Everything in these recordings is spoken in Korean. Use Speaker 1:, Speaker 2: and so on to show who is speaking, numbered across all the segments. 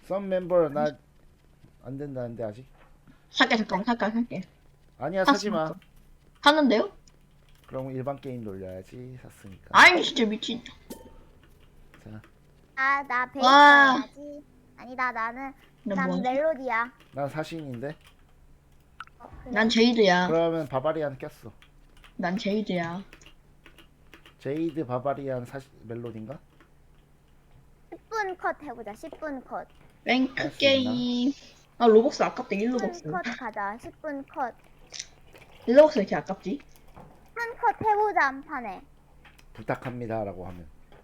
Speaker 1: 썸 멤버 나 안 된다는데 아직.
Speaker 2: 살게 잠깐만 살게.
Speaker 1: 아니야 사지 마.
Speaker 2: 샀는데요?
Speaker 1: 그럼 일반 게임 돌려야지 샀으니까.
Speaker 2: 아이 진짜 미친.
Speaker 1: 자,
Speaker 3: 나 베이스
Speaker 2: 와.
Speaker 3: 해야지. 아니다,
Speaker 2: 나
Speaker 3: 난
Speaker 2: 뭐지?
Speaker 3: 멜로디야.
Speaker 1: 난 사신인데.
Speaker 3: 그래.
Speaker 2: 난 제이드야.
Speaker 1: 그러면 바바리안 꼈어.
Speaker 2: 난 제이드야.
Speaker 1: 제이드 바바리안 멜로디인가?
Speaker 3: 10분 컷 해보자. 10분 컷.
Speaker 2: 랭크
Speaker 1: 할수
Speaker 2: 게임. 아 로벅스 아깝다. 1로벅스.
Speaker 3: 10분 컷 가자. 10분 컷.
Speaker 2: 1로벅스 왜 이렇게 아깝지?
Speaker 3: 한 컷 해보자, 한 판에.
Speaker 1: 부탁합니다라고 하면.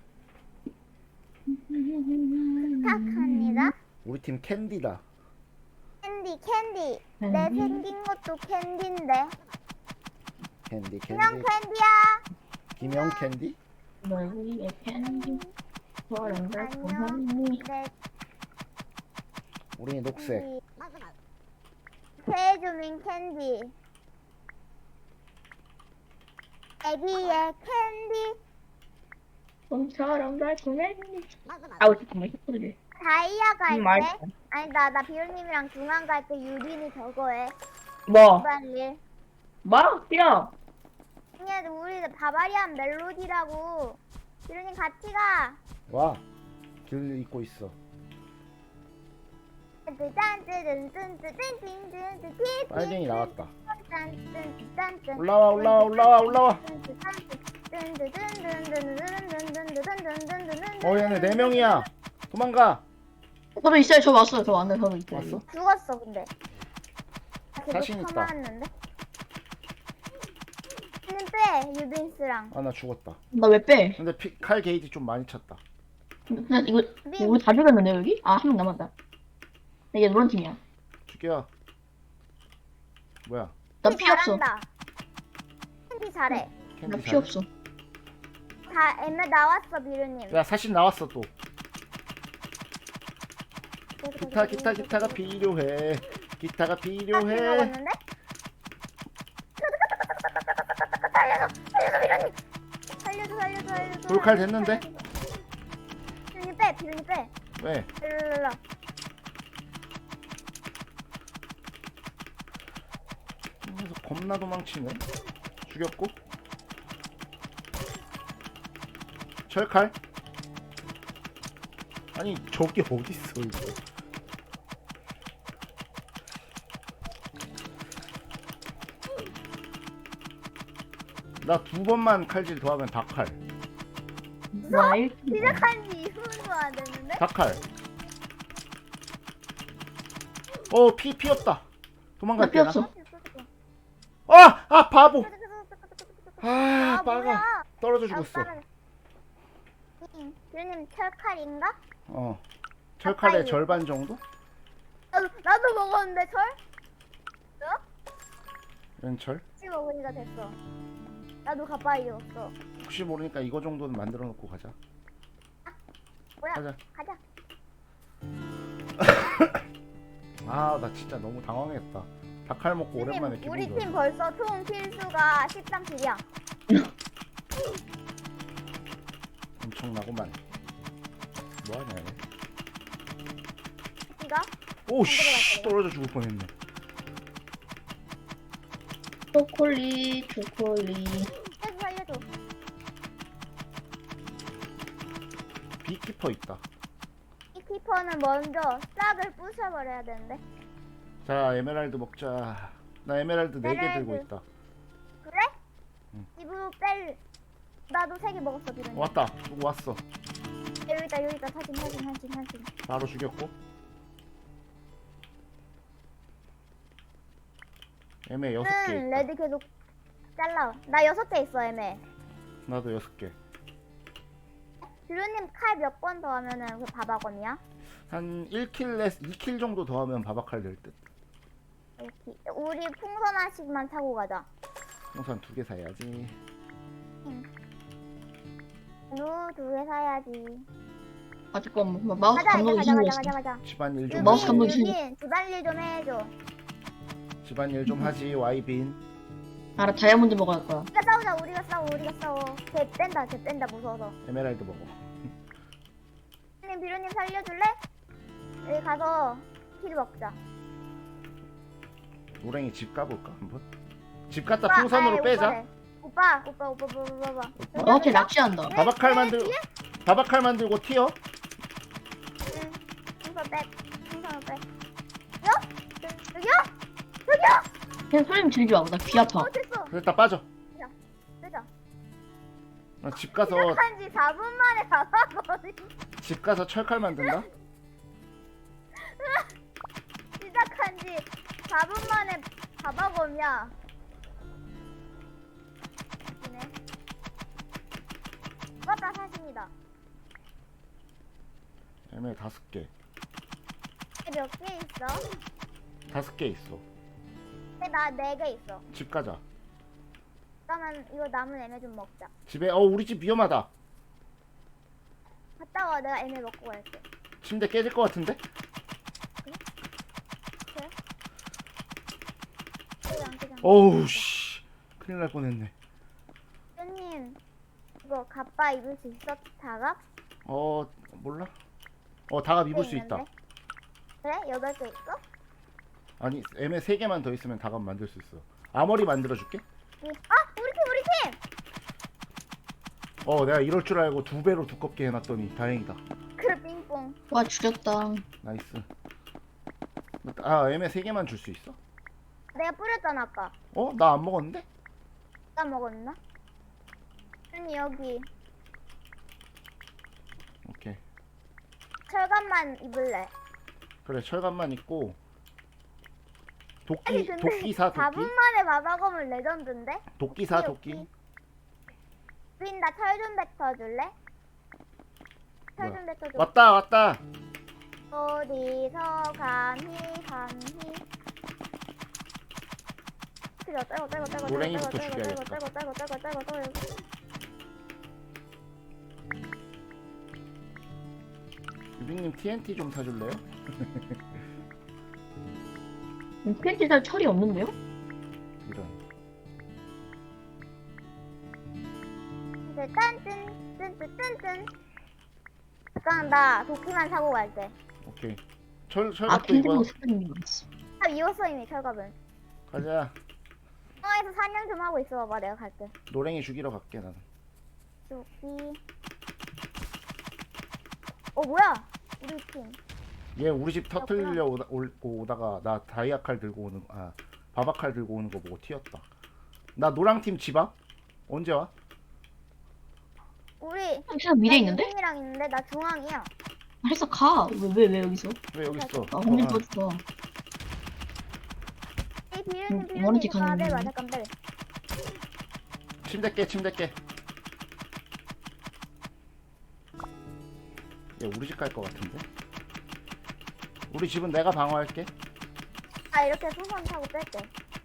Speaker 3: 부탁합니다.
Speaker 1: 우리 팀 캔디다.
Speaker 3: 캔디. 내 생긴 것도 캔디인데.
Speaker 1: 캔디
Speaker 3: 그냥
Speaker 1: 캔디.
Speaker 3: 캔디야.
Speaker 1: 김영 캔디?
Speaker 2: 널 위해 캔디. 저런 걸
Speaker 3: 안녕.
Speaker 2: 보니.
Speaker 3: 내
Speaker 1: 우리 녹색.
Speaker 3: 캔디. 세주민 캔디. 애기의 캔디.
Speaker 2: 봄처럼 달콤해. 아우 잠깐만 힙합을.
Speaker 3: 다이아 갈
Speaker 2: 말.
Speaker 3: 때. 아니, 나 비루님이랑 중앙 갈 때 유빈이 저거 해.
Speaker 2: 뭐?
Speaker 3: 빨리.
Speaker 2: 뭐? 뛰어.
Speaker 3: 아니, 우리 바바리안 멜로디라고. 비루님 같이 가.
Speaker 1: 와. 길 잇고 있어. 빨갱이 나왔다. 올라와. 얘네 4명이야. 도망가.
Speaker 2: 저도 있어요. 저 왔어요. 저 왔네. 저도 있어요.
Speaker 1: 왔어?
Speaker 3: 죽었어 근데.
Speaker 1: 자신 있다.
Speaker 3: 맞는데? 빼 유빈스랑.
Speaker 1: 아 나 죽었다.
Speaker 2: 나 왜 빼?
Speaker 1: 근데 칼 게이지 좀 많이 찼다.
Speaker 2: 근데 이거 우리 다 죽였는데 여기? 아 한 명 남았다. 이게 노란 팀이야.
Speaker 1: 죽여. 뭐야?
Speaker 2: 나 피 없어.
Speaker 3: 캔디 잘해.
Speaker 1: 캔디
Speaker 2: 나 피
Speaker 1: 잘.
Speaker 2: 없어.
Speaker 3: 다 엠에 나왔어 비루님.
Speaker 1: 야 사신 나왔어 또. 기타가 필요해. 기타가 필요해.
Speaker 3: 먹었는데? 살려줘.
Speaker 1: 돌칼 됐는데?
Speaker 3: 비루님 빼.
Speaker 1: 왜?
Speaker 3: 일로.
Speaker 1: 그래서 겁나 도망치네. 죽였고. 철칼? 아니 저기 어딨어 이거. 나 2번만 칼질 더하면 다칼.
Speaker 2: 와
Speaker 3: 시작한 지 2분도 안 됐는데?
Speaker 1: 다칼. 피 없다.
Speaker 2: 나
Speaker 1: 도망갈
Speaker 2: 피
Speaker 1: 때나.
Speaker 2: 없어.
Speaker 1: 바보. 빠가.
Speaker 3: 뭐야?
Speaker 1: 떨어져 죽었어.
Speaker 3: 비루님 철칼인가?
Speaker 1: 철칼의
Speaker 3: 가까이.
Speaker 1: 절반 정도?
Speaker 3: 나도 먹었는데 철?
Speaker 1: 왼철?
Speaker 3: 같이 먹으니까 됐어. 나도 가까이 였어.
Speaker 1: 혹시 모르니까 이거 정도는 만들어 놓고 가자.
Speaker 3: 뭐야?
Speaker 1: 가자.
Speaker 3: 가자.
Speaker 1: 나 진짜 너무 당황했다. 닭칼 먹고 오랜만에 기분
Speaker 3: 우리
Speaker 1: 좋아.
Speaker 3: 팀 벌써 총 킬수가 13킬이야.
Speaker 1: 엄청나구만. 뭐하냐 얘.
Speaker 3: 니가?
Speaker 1: 오씨 떨어져 죽을 뻔했네.
Speaker 2: 초콜릿.
Speaker 3: 살려줘.
Speaker 1: 비키퍼 있다.
Speaker 3: 이 키퍼는 먼저 싹을 부셔버려야 되는데.
Speaker 1: 자 에메랄드 먹자. 나 에메랄드 4개
Speaker 3: 에메랄드.
Speaker 1: 들고 있다.
Speaker 3: 그래?
Speaker 1: 응.
Speaker 3: 입으로 뺄. 나도 3개 먹었어 비루님.
Speaker 1: 왔다. 누구 왔어.
Speaker 3: 여기 있다. 사진.
Speaker 1: 바로 죽였고. 에메 6개 있다.
Speaker 3: 레드 계속 잘라. 나 6개 있어 애매.
Speaker 1: 나도 6개.
Speaker 3: 비루님 칼 몇 번 더 하면은 그 바바검이야?
Speaker 1: 한 2킬 정도 더 하면 바바칼 될 듯.
Speaker 3: 이렇게. 우리 풍선 하나씩만 타고 가자.
Speaker 1: 우선 2개 사야지.
Speaker 3: 루 2개 사야지.
Speaker 2: 아 잠깐만 마우스
Speaker 3: 가자
Speaker 2: 감독이
Speaker 3: 가자.
Speaker 2: 힘들었어.
Speaker 1: 집안일 좀
Speaker 2: 마우스
Speaker 1: 하지.
Speaker 2: 감독이 힘들어.
Speaker 3: 유빈 집안일 좀 해줘.
Speaker 1: 집안일 좀 하지. 와이빈.
Speaker 2: 알아 다이아몬드 먹어야 할 거야.
Speaker 3: 우리가 싸워. 쟤 뺀다 무서워서.
Speaker 1: 에메랄드 먹어.
Speaker 3: 비루님 살려줄래? 여기 가서 킬 먹자.
Speaker 1: 노랭이 집 가볼까 한번? 집 갔다
Speaker 3: 오빠,
Speaker 1: 풍선으로
Speaker 3: 아이,
Speaker 1: 빼자.
Speaker 3: 오빠래. 오빠.
Speaker 2: 어, 쟤 낚시한다.
Speaker 1: 바바칼 만들고 튀어.
Speaker 3: 응. 풍선 빼. 풍선을 빼. 여기요?
Speaker 2: 그냥 소리 지르지 마. 나 귀 아파.
Speaker 3: 됐어.
Speaker 1: 됐다 빠져.
Speaker 3: 빼자.
Speaker 1: 집 가서
Speaker 3: 시작한 지 4분 만에 받아거든.
Speaker 1: 집 가서 철칼 만든다.
Speaker 3: 시작한 지 4분 만에 바바검이야. 네. 맞다 사십니다.
Speaker 1: 애매 5개.
Speaker 3: 몇 개 있어?
Speaker 1: 5개 있어.
Speaker 3: 나 4개 있어.
Speaker 1: 집 가자.
Speaker 3: 그러면 이거 남은 애매 좀 먹자.
Speaker 1: 집에 우리 집 위험하다.
Speaker 3: 갔다 와. 내가 애매 먹고 갈게.
Speaker 1: 침대 깨질 것 같은데? 어우 씨. 큰일 날 뻔했네.
Speaker 3: 님 이거 갑바 입을 수 있어? 다갑?
Speaker 1: 몰라. 다갑 입을 수 있다.
Speaker 3: 그래? 8개 있어?
Speaker 1: 아니 애매 3개만 더 있으면 다갑 만들 수 있어. 아머리 만들어줄게.
Speaker 3: 우리 팀!
Speaker 1: 내가 이럴 줄 알고 2배로 두껍게 해놨더니 다행이다.
Speaker 3: 그래 빙뽕.
Speaker 2: 와, 죽였다.
Speaker 1: 나이스. 애매 3개만 줄 수 있어?
Speaker 3: 내가 뿌렸잖아 아까.
Speaker 1: 나 안 먹었는데?
Speaker 3: 나 먹었나? 언니 여기
Speaker 1: 오케이.
Speaker 3: 철갑만 입을래.
Speaker 1: 그래 철갑만 입고
Speaker 3: 아니 근데
Speaker 1: 도끼사
Speaker 3: 4분 만에 바바검을 레전드인데?
Speaker 1: 도끼사
Speaker 3: 오케이. 우린 나 철 좀 뱉어줄래? 철 좀 뱉어줘.
Speaker 1: 왔다.
Speaker 3: 어디서 감히
Speaker 1: 노랭이부터 죽여야겠다. 유빈님 TNT 좀 사줄래요?
Speaker 2: 팬티 살 철이 없는데요?
Speaker 1: 이런.
Speaker 3: 이제 딴 잠깐 나 도끼만 사고 갈게.
Speaker 1: 오케이.
Speaker 2: 아,
Speaker 1: 철갑도 입어.
Speaker 2: 팬티도 스프링이 있어.
Speaker 3: 다 입었어 이미 철갑은.
Speaker 1: 가자.
Speaker 3: 에서 사냥 좀 하고 있어 봐봐. 내가 갈게.
Speaker 1: 노랭이 죽이러 갈게 나는.
Speaker 3: 도끼. 뭐야? 우리 팀.
Speaker 1: 얘 우리 집 터트리려 오다가 나 다이아칼 들고 바바칼 들고 오는 거 보고 튀었다. 나 노랑팀 집 앞? 언제 와?
Speaker 3: 우리
Speaker 2: 그냥 미래 있는데?
Speaker 3: 유빈이랑 있는데 나 중앙이야.
Speaker 2: 해서 가. 왜 여기서?
Speaker 1: 왜 여기 있어?
Speaker 2: 아, 홍길 뻗어.
Speaker 3: 비련님
Speaker 2: 머리띠
Speaker 3: 아
Speaker 2: 가는
Speaker 3: 빼봐
Speaker 2: 거네.
Speaker 3: 잠깐 빼.
Speaker 1: 침대 깨. 얘 우리 집 갈 것 같은데? 우리 집은 내가 방어할게.
Speaker 3: 이렇게 풍선 타고 뺄게.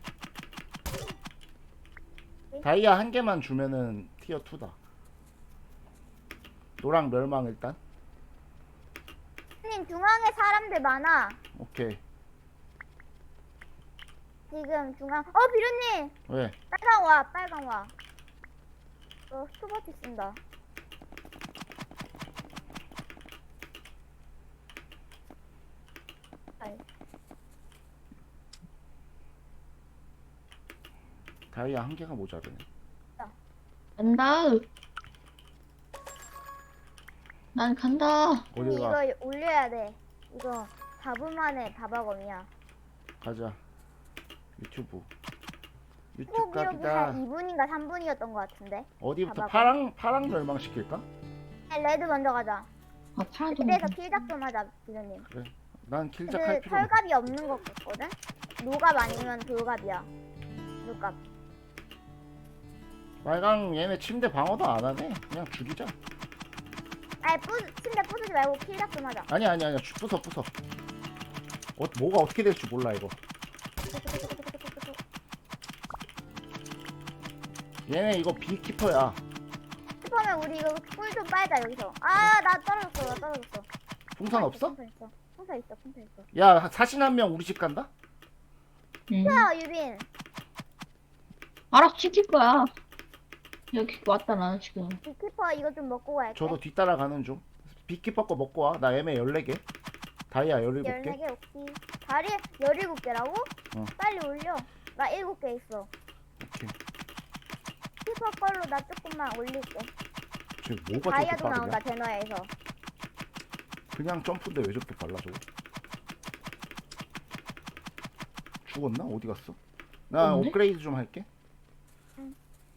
Speaker 1: 다이아 1개만 주면은 티어 2다. 노랑 멸망 일단.
Speaker 3: 님 중앙에 사람들 많아.
Speaker 1: 오케이.
Speaker 3: 지금 중앙. 비련님
Speaker 1: 왜?
Speaker 3: 빨강 와. 스토버티 쓴다.
Speaker 1: 다이아 1개가 모자르네.
Speaker 2: 간다. 난 간다.
Speaker 1: 어디 가?
Speaker 3: 이거 올려야 돼. 이거 4분 만에 바바검이야.
Speaker 1: 가자. 유튜브
Speaker 3: 꼭 기록이
Speaker 1: 각이다.
Speaker 3: 한 2분인가 3분이었던 것 같은데.
Speaker 1: 어디부터
Speaker 3: 봐봐.
Speaker 1: 파랑 멸망 시킬까?
Speaker 3: 레드 먼저 가자.
Speaker 2: 아, 파란 돈.
Speaker 3: 그래서 킬작 좀 하자, 비련님.
Speaker 1: 난 킬작 할
Speaker 3: 그
Speaker 1: 필요 없어.
Speaker 3: 철갑이 없는 것 같거든? 노갑 아니면 돌갑이야. 노갑.
Speaker 1: 말강 얘네 침대 방어도 안 하네. 그냥 죽이자.
Speaker 3: 침대 부수지 말고 킬작 좀 하자.
Speaker 1: 아니야. 부숴. 뭐가 어떻게 될지 몰라 이거. 얘네 이거 비키퍼야.
Speaker 3: 슈퍼면 우리 이거 꿀 좀 빨자 여기서. 나 떨어졌어.
Speaker 1: 풍선 없어?
Speaker 3: 풍선 있어.
Speaker 1: 야 사신 한 명 우리 집 간다?
Speaker 3: 유빈.
Speaker 2: 알아서 지킬 거야. 여기 왔다, 나는 지금.
Speaker 3: 비키퍼 이거 좀 먹고 갈게.
Speaker 1: 저도 뒤따라 가는 중. 비키퍼 거 먹고 와. 나 애매 14개. 다이아 17개?
Speaker 3: 14개 오케이. 다리 17개라고?
Speaker 1: 어.
Speaker 3: 빨리 올려. 나 7개 있어.
Speaker 1: 오케이.
Speaker 3: 키퍼 걸로 나 조금만 올릴게.
Speaker 1: 쟤 뭐가 저렇게
Speaker 3: 다이아도
Speaker 1: 빠르냐?
Speaker 3: 나온다 제너에서.
Speaker 1: 그냥 점프인데 왜 저렇게 빨라 저거? 죽었나? 어디 갔어? 나
Speaker 2: 없는데?
Speaker 1: 업그레이드 좀 할게.
Speaker 3: 응.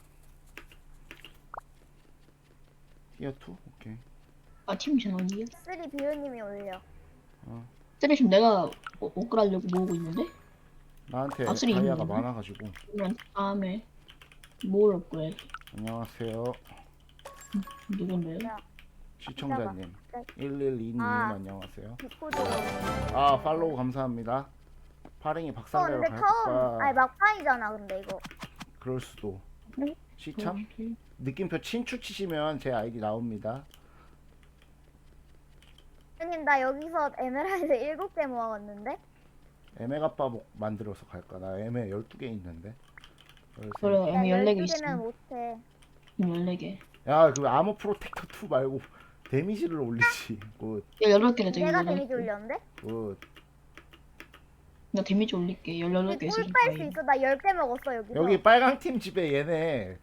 Speaker 1: 티어 2? 오케이.
Speaker 2: 아 팀전 어디야?
Speaker 3: 3 비루님이 올려.
Speaker 2: 쓰레쉬 내가 옷 갈아려고 모으고 있는데?
Speaker 1: 나한테
Speaker 2: 아, 쓰리
Speaker 1: 다이아가
Speaker 2: 있는데?
Speaker 1: 많아가지고.
Speaker 2: 그러면 다음에 뭘 업그레이드?
Speaker 1: 안녕하세요.
Speaker 2: 누군데요?
Speaker 1: 시청자님.
Speaker 3: 네.
Speaker 1: 112님
Speaker 3: 아.
Speaker 1: 안녕하세요.
Speaker 3: 디코드.
Speaker 1: 아 팔로우 감사합니다. 파랭이 박살내러
Speaker 3: 근데 처음
Speaker 1: 갈까?
Speaker 3: 아니 막판이잖아 근데 이거.
Speaker 1: 그럴 수도.
Speaker 2: 네?
Speaker 1: 시참? 느낌표 친추 치시면 제 아이디 나옵니다.
Speaker 3: 형님 나 여기서 에메랄드 7개 모아왔는데.
Speaker 1: 에메가빠 만들어서 갈까? 나 에메 12개 있는데.
Speaker 2: 그래
Speaker 3: 야
Speaker 2: M 14개
Speaker 3: 12개면
Speaker 2: 있어.
Speaker 3: 못해.
Speaker 2: M 14개.
Speaker 1: 야, 그 아머 프로텍터 2 말고 데미지를 올리지. 굿,
Speaker 2: 야 18개나 돼.
Speaker 3: 내가 데미지 올렸는데?
Speaker 1: 굿.
Speaker 2: 나 데미지 올릴게. 18개 있어.
Speaker 3: 꿀빨 수 있어. 나 10개 먹었어 여기서.
Speaker 1: 여기 빨강 팀 집에 얘네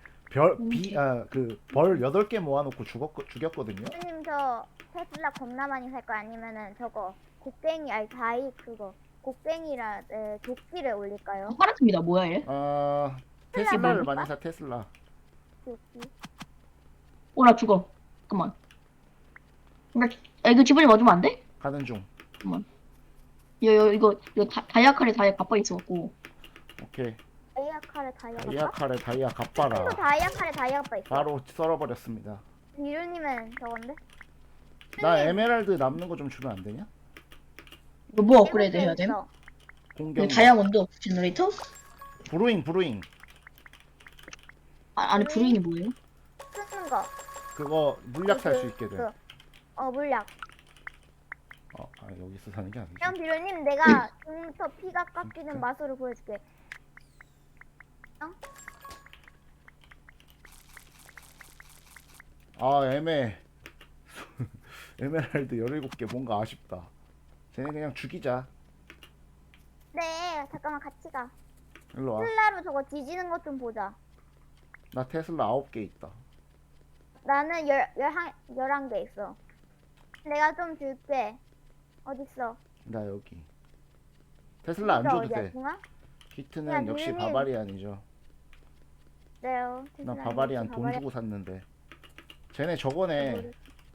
Speaker 1: 벌 8개 모아놓고 죽였거든요.
Speaker 3: 형님 저 테슬라 겁나 많이 살 거 아니면은 저거 곡괭이 아니 다이 그거 곡괭이라 도끼를 올릴까요?
Speaker 2: 파란팀이다 뭐야 얘?
Speaker 1: 테슬라를
Speaker 2: 뭘까?
Speaker 1: 많이 사 테슬라.
Speaker 3: 도끼.
Speaker 2: 나 죽어. 잠깐만. 야 이거 집어니 맞으면 안 돼?
Speaker 1: 가는 중.
Speaker 2: 잠깐만. 이거 다이아 칼에 다이아 가빠 있어갖고.
Speaker 1: 오케이.
Speaker 3: 다이아 칼에 다이아
Speaker 1: 다이아
Speaker 3: 가
Speaker 1: 칼에 다이아 갓바라.
Speaker 3: 다이아 칼에 다이아가 있어.
Speaker 1: 바로 썰어버렸습니다.
Speaker 3: 비루님은 저건데?
Speaker 1: 나 에메랄드 남는 거 좀 주면 안 되냐?
Speaker 2: 이거 뭐 업그레이드 해야 돼?
Speaker 3: 있어.
Speaker 1: 공격.
Speaker 2: 다이아몬드 제너레이터?
Speaker 1: 브루잉.
Speaker 2: 아니 브루잉이 뭐예요?
Speaker 3: 쓰는 거.
Speaker 1: 그거 물약 살 수 있게 돼.
Speaker 3: 물약.
Speaker 1: 여기서 사는 게 아니지.
Speaker 3: 형 비루님 내가 지금부터 피가 깎이는 마술을 보여줄게.
Speaker 1: 에메랄드 17개 뭔가 아쉽다. 쟤네 그냥 죽이자.
Speaker 3: 네 잠깐만 같이 가.
Speaker 1: 일로 와.
Speaker 3: 테슬라로 저거 뒤지는 것 좀 보자.
Speaker 1: 나 테슬라 9개 있다.
Speaker 3: 나는 11개 있어. 내가 좀 줄게. 어딨어?
Speaker 1: 나 여기. 테슬라 안 줘도
Speaker 3: 어디야,
Speaker 1: 돼.
Speaker 3: 중앙?
Speaker 1: 히트는
Speaker 3: 야,
Speaker 1: 역시
Speaker 3: 누님.
Speaker 1: 바바리안이죠.
Speaker 3: 네요.
Speaker 1: 나
Speaker 3: 테슬라
Speaker 1: 바바리안
Speaker 3: 역시
Speaker 1: 돈 주고 샀는데. 쟤네 저거네.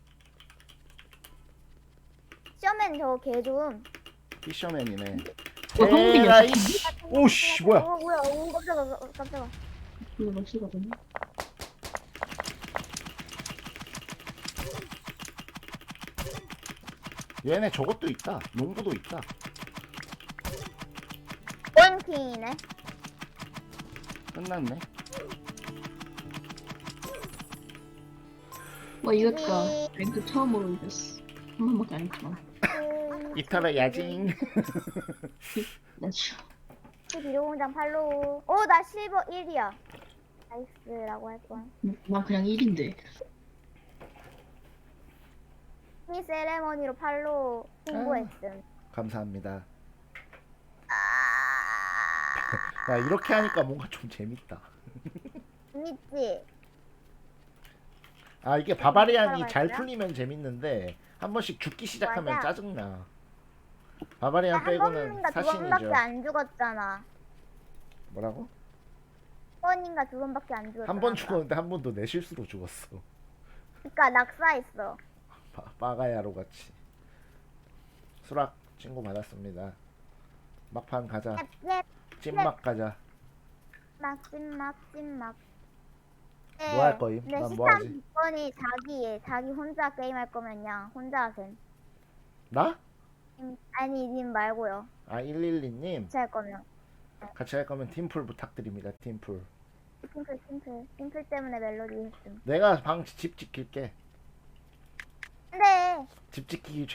Speaker 3: 쇼맨 저거 개 좀.
Speaker 1: 피셔맨이네.
Speaker 2: 성빈이
Speaker 1: 에라이.
Speaker 2: 어떻게
Speaker 1: 오씨 뭐야?
Speaker 3: 뭐야? 오 깜짝아.
Speaker 2: 이거 몇 시거든요?
Speaker 1: 얘네 저것도 있다. 농부도 있다.
Speaker 3: 원킹이네.
Speaker 1: 끝났네.
Speaker 2: 와 이겼다. 랭크 처음으로 이겼어. 한 번밖에 안 했지만.
Speaker 1: 이탈의 야징.
Speaker 2: 나 진짜.
Speaker 3: 비료공장 팔로우. 나 실버 1이야. 나이스라고 할 거야.
Speaker 2: 난 그냥 1인데.
Speaker 3: 이 세레머니로 팔로우 홍보했음.
Speaker 1: 감사합니다. 야 이렇게 하니까 뭔가 좀 재밌다.
Speaker 3: 재밌지?
Speaker 1: 이게 바바리안이
Speaker 3: 따라갈까요?
Speaker 1: 잘 풀리면 재밌는데 한 번씩 죽기 시작하면
Speaker 3: 맞아.
Speaker 1: 짜증나. 바바리안
Speaker 3: 한
Speaker 1: 빼고는
Speaker 3: 번인가 두
Speaker 1: 사신이죠.
Speaker 3: 번밖에 안 죽었잖아.
Speaker 1: 뭐라고?
Speaker 3: 한 번인가 두 번밖에 안 죽었잖아.
Speaker 1: 한 번 죽었는데 한 번도 내 실수로 죽었어.
Speaker 3: 그니까 낙사했어.
Speaker 1: 빠가야로 같이. 수락 친구 받았습니다. 막판 가자.
Speaker 3: 예,
Speaker 1: 찐막 가자.
Speaker 3: 찐막.
Speaker 1: 뭐 할 거임?
Speaker 3: 네,
Speaker 1: 난 뭐 하지?
Speaker 3: 시참 조건이 자기 혼자 게임할 거면요. 혼자 하셈.
Speaker 1: 나?
Speaker 3: 아니 님 말고요.
Speaker 1: 112님
Speaker 3: 같이 할 거면.
Speaker 1: 같이 할 거면 팀풀 부탁드립니다. 팀풀.
Speaker 3: 심플 때문에 멜로디 했음.
Speaker 1: 내가 집 지킬게.
Speaker 3: 근데
Speaker 1: 집 지키기